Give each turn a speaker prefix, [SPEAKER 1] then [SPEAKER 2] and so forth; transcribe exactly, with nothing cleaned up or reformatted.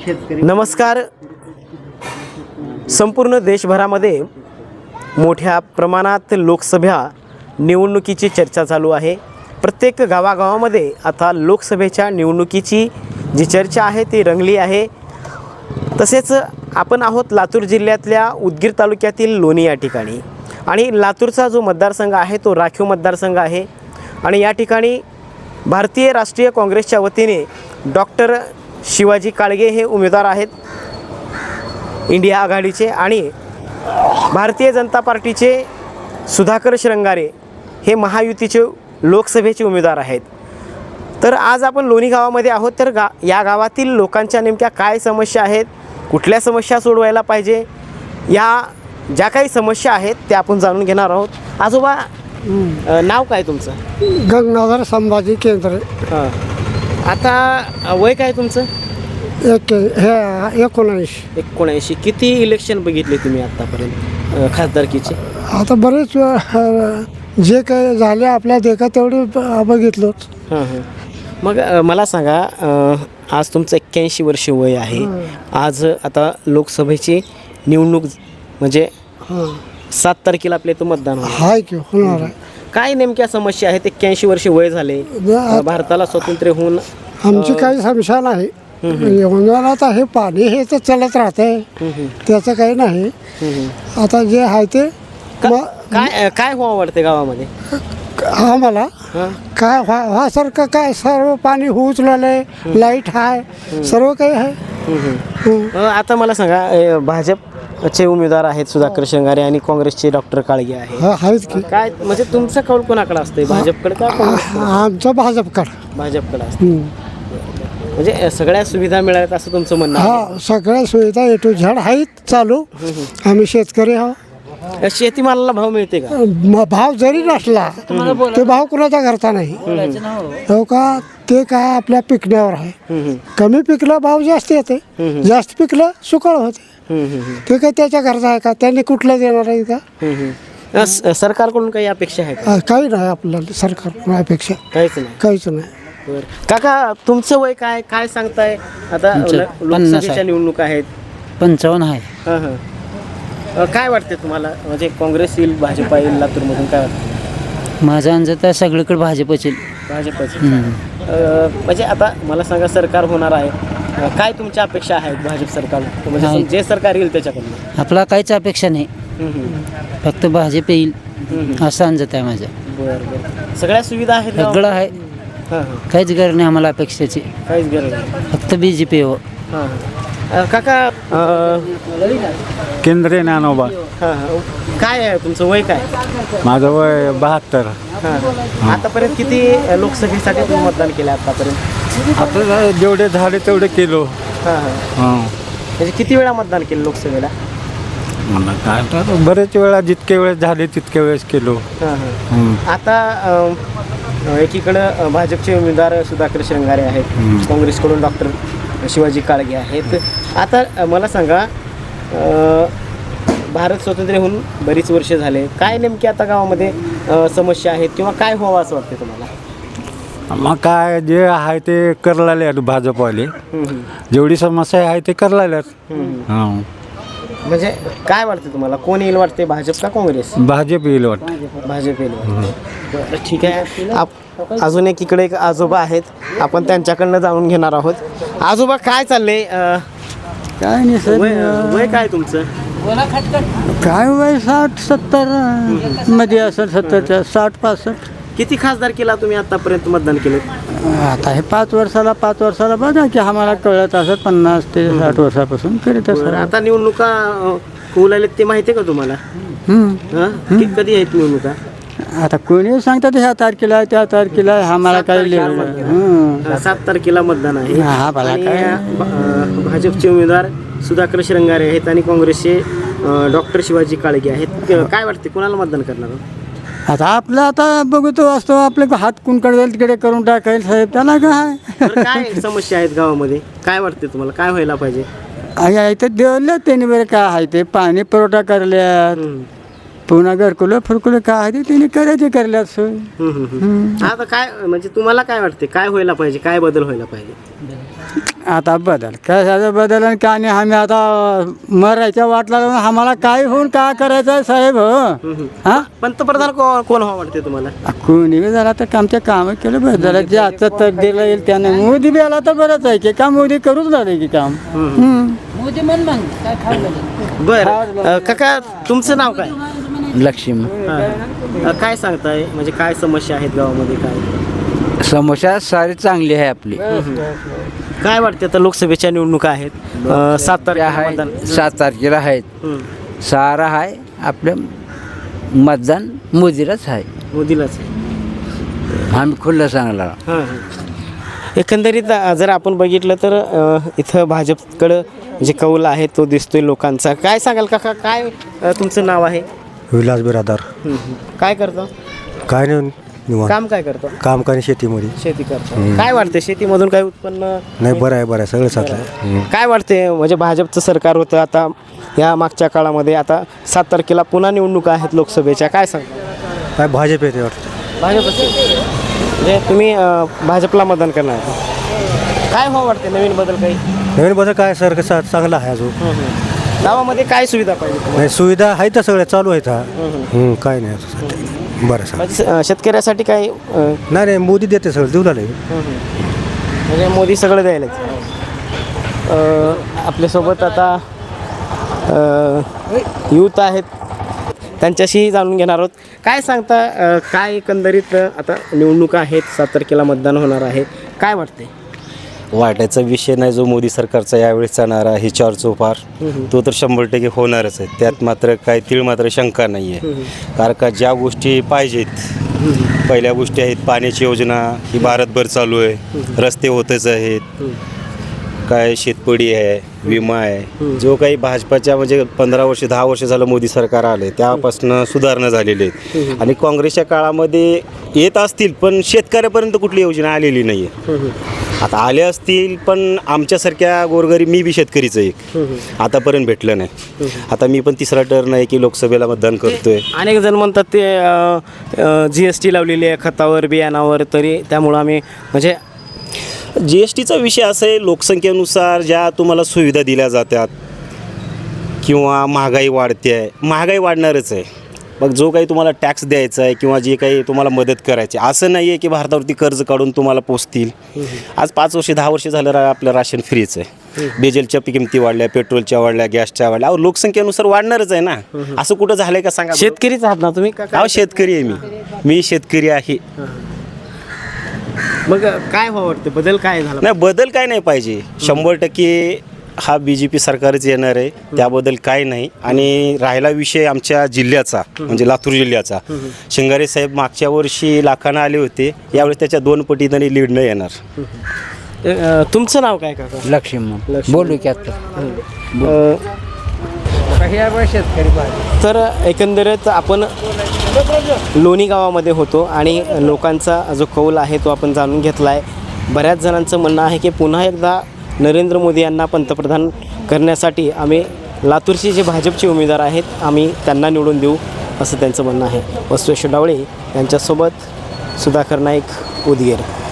[SPEAKER 1] नमस्कार. संपूर्ण देशभरामध्ये मोठ्या प्रमाणात लोकसभा निवडणुकीची चर्चा चालू आहे. प्रत्येक गावागावामध्ये आता लोकसभेच्या निवडणुकीची जी चर्चा आहे ती रंगली आहे. तसेच आपण आहोत लातूर जिल्ह्यातल्या उदगीर तालुक्यातील लोणी या ठिकाणी, आणि लातूरचा जो मतदारसंघ आहे तो राखीव मतदारसंघ आहे. आणि या ठिकाणी भारतीय राष्ट्रीय काँग्रेसच्या वतीने डॉक्टर शिवाजी काळगे हे उमेदवार आहेत इंडिया आघाडीचे, आणि भारतीय जनता पार्टीचे सुधाकर श्रंगारे हे महायुतीचे लोकसभेचे उमेदवार आहेत. तर आज आपण लोणी गावामध्ये आहोत. तर गा या गावातील लोकांच्या नेमक्या काय समस्या आहेत, कुठल्या समस्या सोडवायला पाहिजे, या ज्या काही समस्या आहेत त्या आपण जाणून घेणार आहोत. आजोबा, नाव काय तुमचं?
[SPEAKER 2] गंगाधर संभाजी केंद्रे.
[SPEAKER 1] हां, आता वय काय तुमचं?
[SPEAKER 2] एक हे एकोणऐंशी.
[SPEAKER 1] एकोणऐंशी. किती इलेक्शन बघितले तुम्ही आत्तापर्यंत खासदारकीचे?
[SPEAKER 2] आता बरेच अ, जे काही झाले आपल्या देखा तेवढे ब- बघितलोच.
[SPEAKER 1] हां हां. मग अ, मला सांगा, अ, आज तुमचं एक्क्याऐंशी वर्ष वय आहे. आज आता लोकसभेची निवडणूक म्हणजे
[SPEAKER 2] हां,
[SPEAKER 1] सात तारखेला आपल्या इथं मतदान होणार.
[SPEAKER 2] हाय की होणार आहे.
[SPEAKER 1] काय नेमक्या समस्या आहेत? एक्क्याऐंशी वर्ष वय झाले, अ, भारताला स्वातंत्र्य होऊन
[SPEAKER 2] आमची काही समस्या नाही. उन्हाळ्यात हे पाणी हे तर चालत राहते, त्याचं काही नाही. आता जे आहे ते
[SPEAKER 1] का-
[SPEAKER 2] म-
[SPEAKER 1] काय काय व्हावं वाटते गावामध्ये?
[SPEAKER 2] आम्हाला
[SPEAKER 1] हां
[SPEAKER 2] काय व्हा व्हासारखं काय सर्व पाणी उचललंय, लाईट आहे, सर्व काही आहे. हं.
[SPEAKER 1] अ, आता मला सांगा, अ, भाजपचे उमेदवार आहेत सुधाकर श्रंगारे आणि काँग्रेसचे डॉक्टर काळगे आहेत.
[SPEAKER 2] हा आहेत की.
[SPEAKER 1] काय म्हणजे तुमचं कौल कोणाकडे असतंय, भाजपकडे का काँग्रेसकडे?
[SPEAKER 2] आमचं भाजपकडं.
[SPEAKER 1] भाजपकडे असतं.
[SPEAKER 2] हं.
[SPEAKER 1] म्हणजे अ, सगळ्या सुविधा मिळाल्यात असं तुमचं म्हणणं आहे?
[SPEAKER 2] हा, सगळ्या सुविधा ए टू झेड आहेत चालू. आम्ही शेतकरी आहोत.
[SPEAKER 1] अ, शेतीमालाला भाव मिळते का?
[SPEAKER 2] म- भाव जरी नसला ते भाव कुणाचा घरचा नाही हो का. ते काय आपल्या पिकण्यावर आहे.
[SPEAKER 1] हम्म, हम्म,
[SPEAKER 2] कमी पिकलं भाव जास्त येते, जास्त पिकलं सुकळ होते.
[SPEAKER 1] हम्म, हम्म,
[SPEAKER 2] ते काय त्याच्या घरचा आहे का, त्यांनी कुठलं देणार आहे का?
[SPEAKER 1] हम्म, हम्म. अ, स- सरकारकडून काही अपेक्षा आहे का?
[SPEAKER 2] आ, काही नाही आपल्याला सरकार अपेक्षा,
[SPEAKER 1] काहीच नाही.
[SPEAKER 2] काहीच नाही.
[SPEAKER 1] बरं. काका, तुमचं वय काय काय सांगताय? आता
[SPEAKER 3] आमचं
[SPEAKER 1] ल-
[SPEAKER 3] पन्नास
[SPEAKER 1] लोकसभेच्या
[SPEAKER 3] आहे.
[SPEAKER 1] निवडणूक आहेत.
[SPEAKER 3] पंचावन्न आहे.
[SPEAKER 1] हां हां. अ, काय वाटते तुम्हाला, म्हणजे काँग्रेस येईल, भाजपा येईल लातूरमधून, काय वाटतं?
[SPEAKER 3] माझा अंदाज तर सगळीकडे भाजपच येईल.
[SPEAKER 1] भाजपचं.
[SPEAKER 3] हम्म.
[SPEAKER 1] अ, म्हणजे आता मला सांगा, सरकार होणार आहे, अ, काय तुमच्या अपेक्षा आहेत भाजप सरकार, म्हणजे
[SPEAKER 3] नाही.
[SPEAKER 1] जे सरकार येईल त्याच्याकडून?
[SPEAKER 3] आपला काहीच अपेक्षा नाही,
[SPEAKER 1] हम्म, हम्म.
[SPEAKER 3] फक्त भाजप येईल
[SPEAKER 1] हम्म.
[SPEAKER 3] असा अंदाज आहे माझा.
[SPEAKER 1] बरं बरं. सगळ्या सुविधा आहेत गावात?
[SPEAKER 3] सगळं आहे,
[SPEAKER 1] हां हां.
[SPEAKER 3] काहीच गरज नाही आम्हाला अपेक्षाची,
[SPEAKER 1] काहीच गरज नाही.
[SPEAKER 3] फक्त बी जे पी हो.
[SPEAKER 1] हां हां. अ, काका, अ,
[SPEAKER 4] केंद्रे ज्ञानोबा.
[SPEAKER 1] हां हां. काय आहे तुमचं वय काय?
[SPEAKER 4] माझं वय बहात्तर.
[SPEAKER 1] हां. आतापर्यंत किती लोकसभेसाठी तुम्ही मतदान केलं आतापर्यंत?
[SPEAKER 4] आता जेवढे झाले तेवढे केलो.
[SPEAKER 1] हां हां.
[SPEAKER 4] हां.
[SPEAKER 1] म्हणजे किती वेळा मतदान केलं लोकसभेला?
[SPEAKER 4] मला काय तर बरेच वेळा जितके वेळेस झाले तितके वेळेस केलो.
[SPEAKER 1] हां हां.
[SPEAKER 4] हं.
[SPEAKER 1] आता अ, एकीकडं अ, भाजपचे उमेदवार सुधाकर श्रंगारे आहेत, काँग्रेसकडून डॉक्टर शिवाजी काळगे आहेत. आता अ, मला सांगा, अ, भारत स्वातंत्र्य होऊन बरीच वर्ष झाले, काय नेमकी आता गावामध्ये अ, समस्या आहेत किंवा काय व्हावं असं वाटते तुम्हाला?
[SPEAKER 4] मग काय जे आहे ते करलेले आहेत भाजपवाले.
[SPEAKER 1] हम्म, हम्म.
[SPEAKER 4] जेवढी समस्या आहे ते करलेले आहेत.
[SPEAKER 1] हम्म.
[SPEAKER 4] हां.
[SPEAKER 1] म्हणजे काय वाटते तुम्हाला, कोण येईल वाटते, भाजप का काँग्रेस?
[SPEAKER 4] भाजप येईल वाटतं.
[SPEAKER 1] भाजप येईल वाटते. बरं, ठीक आहे. आप अजून एक इकडे एक आजोबा आहेत, आपण त्यांच्याकडनं जाणून घेणार आहोत. आजोबा, काय चाललंय? अ,
[SPEAKER 2] काय नाही सर,
[SPEAKER 1] वय वय काय तुमचं?
[SPEAKER 2] काय वय साठ सत्तर मध्ये असेल, सत्तरच्या साठ पासष्ट.
[SPEAKER 1] किती खासदार केला तुम्ही आतापर्यंत मतदान केलं?
[SPEAKER 2] आता हे पाच वर्षाला पाच वर्षाला बघा की आम्हाला कळत असत पन्नास ते साठ वर्षापासून करीत
[SPEAKER 1] बरं, आता निवडणुका अ, होऊ लागल्यात ते माहिती आहे का तुम्हाला?
[SPEAKER 2] असं.
[SPEAKER 1] हं? कि- कधी आहेत निवडणुका?
[SPEAKER 2] आता कोणी सांगतात ह्या तारखेला त्या तारखेला आम्हाला
[SPEAKER 1] सात
[SPEAKER 2] काय
[SPEAKER 1] तारखेला
[SPEAKER 2] लिहिलं.
[SPEAKER 1] मतदान.
[SPEAKER 2] हं.
[SPEAKER 1] अ, सात तारखेला मतदान आहे.
[SPEAKER 2] हा, भला
[SPEAKER 1] आणि,
[SPEAKER 2] काय.
[SPEAKER 1] अ, भ- भाजपचे उमेदवार सुधाकर श्रंगारे आहेत आणि काँग्रेसचे डॉक्टर शिवाजी काळगे आहेत. अ, काय वाटते, कोणाला मतदान करणार?
[SPEAKER 2] आता आपलं आता बघतो असतो आपले हात कुणकडे जाईल तिकडे करून टाकायला साहेब, त्याला काय.
[SPEAKER 1] बरं, काय समस्या आहेत गावामध्ये, काय वाटते तुम्हाला, काय व्हायला पाहिजे?
[SPEAKER 2] आहे इथं देवलं त्यांनी बरं काय आहे ते पाणी पुरवठा करल्यात,
[SPEAKER 1] हम्म.
[SPEAKER 2] पुन्हा घरकुलं फुरकुलं काय आहे ते त्यांनी करायचे करल्यात सोय.
[SPEAKER 1] हम्म, हम्म, हम्म. आता काय म्हणजे तुम्हाला काय वाटते, काय व्हायला पाहिजे, काय बदल व्हायला पाहिजे?
[SPEAKER 5] आता बदल कशाचा बदल आणि काय नाही. आम्ही आता मरायच्या वाटला लावून आम्हाला काय होऊन काय करायचं आहे साहेब हो हा
[SPEAKER 1] पंतप्रधान को- कोण व्हावं वाटते तुम्हाला?
[SPEAKER 5] कोणी बी झाला तर आमच्या कामं केलं बरं झालं. जे आजचं तर दिलं येईल त्याने मोदी बी आला तर बरंच आहे की का मोदी करूच झालं की काम. हम्म.
[SPEAKER 3] मोदी मन मग काय खाऊ
[SPEAKER 1] बरं काका तुमचं नाव काय?
[SPEAKER 3] लक्ष्मी
[SPEAKER 1] अ, काय सांगताय म्हणजे काय समस्या आहेत गावामध्ये काय?
[SPEAKER 3] समस्या सारी चांगली आहे आपली.
[SPEAKER 1] काय वाटते आता लोकसभेच्या निवडणुका आहेत अ, सात तारखेला मतदान.
[SPEAKER 3] सात तारखेला आहेत.
[SPEAKER 1] हं.
[SPEAKER 3] सारा आहे आपलं मतदान मोदीलाच आहे.
[SPEAKER 1] मोदीलाच आहे.
[SPEAKER 3] आम्ही खुल्लं सांगला.
[SPEAKER 1] हां, हां. एकंदरीत अ, जर आपण बघितलं तर अ, इथं भाजपकडं जे कौल आहे तो दिसतोय लोकांचा. काय सांगाल काका काय अ, तुमचं नाव आहे?
[SPEAKER 6] विलास बिरादार.
[SPEAKER 1] हं, हं. काय करतो?
[SPEAKER 6] काय नाही निवांत.
[SPEAKER 1] काम काय करतो?
[SPEAKER 6] काम काय नाही शेतीमध्ये.
[SPEAKER 1] शेती करतो. काय वाटतं शेतीमधून काय उत्पन्न?
[SPEAKER 6] नाही बरं आहे बरं आहे सगळं चांगलं.
[SPEAKER 1] काय वाटते म्हणजे भाजपचं सरकार होतं आता या मागच्या काळामध्ये आता सात तारखेला पुन्हा निवडणुका आहेत लोकसभेच्या. काय सांगता?
[SPEAKER 6] काय भाजप येते वाटतं.
[SPEAKER 1] भाजप म्हणजे तुम्ही अ, भाजपला मतदान करणार आहे. काय हो वाटते नवीन बदल काही?
[SPEAKER 6] नवीन बदल काय सर कसं चांगलं आहे अजून.
[SPEAKER 1] गावामध्ये काय सुविधा पाहिजे तुम्हाला?
[SPEAKER 6] नाही सुविधा आहे तर सगळ्या चालू आहेत हा. हं, काय नाही असं सध्या. बरं सर.
[SPEAKER 1] म्हणजे अ, शेतकऱ्यासाठी काय अ,
[SPEAKER 6] नाही नाही मोदी देते सगळं देऊ लागले.
[SPEAKER 1] म्हणजे मोदी सगळं द्यायलाच. अ, आपल्यासोबत आता यूथ आहेत त्यांच्याशी जाणून घेणार आहोत. काय सांगता अ, काय एकंदरीत अ, आता निवडणुका आहेत सात तारखेला मतदान होणार आहे. काय वाटते?
[SPEAKER 7] वाटायचा विषय नाही जो मोदी सरकारचा यावेळेस चालणारा ही चार चौपार तो तर शंभर टक्के होणारच आहे. त्यात मात्र काही तीळ मात्र शंका नाही आहे. कारण का ज्या गोष्टी पाहिजेत पहिल्या गोष्टी आहेत पाण्याची योजना ही भारतभर चालू आहे. रस्ते होतच आहेत. काय शेतपडी आहे विमा आहे जो काही भाजपाच्या म्हणजे पंधरा वर्ष दहा वर्ष झालं मोदी सरकार आले त्यापासून सुधारणा झालेली आहेत. आणि काँग्रेसच्या काळामध्ये येत असतील पण शेतकऱ्यापर्यंत कुठली योजना आलेली नाही आहे. आता आले असतील पण आमच्यासारख्या गोरगरीब मी बी शेतकरीच एक आतापर्यंत भेटलं नाही. आता मी पण तिसरा टर्न आहे की लोकसभेला मतदान करतोय.
[SPEAKER 1] अनेक जण म्हणतात ते जी एस टी लावलेली आहे खतावर बियाणावर तरी त्यामुळं आम्ही म्हणजे
[SPEAKER 7] जी एस टीचा विषय असा आहे लोकसंख्येनुसार ज्या तुम्हाला सुविधा दिल्या जातात किंवा महागाई वाढते आहे महागाई वाढणारच आहे. मग जो काही तुम्हाला टॅक्स द्यायचा आहे किंवा जे काही तुम्हाला मदत करायची असं नाही आहे की भारतावरती कर्ज काढून तुम्हाला पोचतील. आज पाच वर्ष दहा वर्ष झालं रा आपलं राशन फ्रीच आहे. डिझेलच्या किमती वाढल्या पेट्रोलच्या वाढल्या गॅसच्या वाढल्या अहो लोकसंख्येनुसार वाढणारच आहे ना. असं कुठं झालंय का सांगा.
[SPEAKER 1] शेतकरीच आहात ना तुम्ही? का
[SPEAKER 7] अहो शेतकरी आहे मी मी शेतकरी आहे.
[SPEAKER 1] मग काय व्हावं वाटतं बदल काय झाला?
[SPEAKER 7] नाही बदल काय नाही पाहिजे. शंभर टक्के हा बी जे पी सरकारच येणार आहे त्याबद्दल काय नाही. आणि राहिला विषय आमच्या जिल्ह्याचा म्हणजे लातूर जिल्ह्याचा शिंगारे साहेब मागच्या वर्षी लाखांना आले होते यावेळेस त्याच्या दोन पटीने लीड न येणार.
[SPEAKER 1] अ, तुमचं नाव काय काका?
[SPEAKER 3] लक्ष्मी बोलू की आता
[SPEAKER 1] अ, तर एकंदरीत आपण लोणी गावामध्ये होतो आणि लोकांचा जो कौल आहे तो आपण जाणून घेतला आहे. बऱ्याच जणांचं म्हणणं आहे की पुन्हा एकदा नरेंद्र मोदी यांना पंतप्रधान करण्यासाठी आम्ही लातूरचे जे भाजपचे उमेदवार आहेत आम्ही त्यांना निवडून देऊ असं त्यांचं म्हणणं आहे. वसवेश्वर डावळे यांच्यासोबत सुधाकर नाईक उदगीर.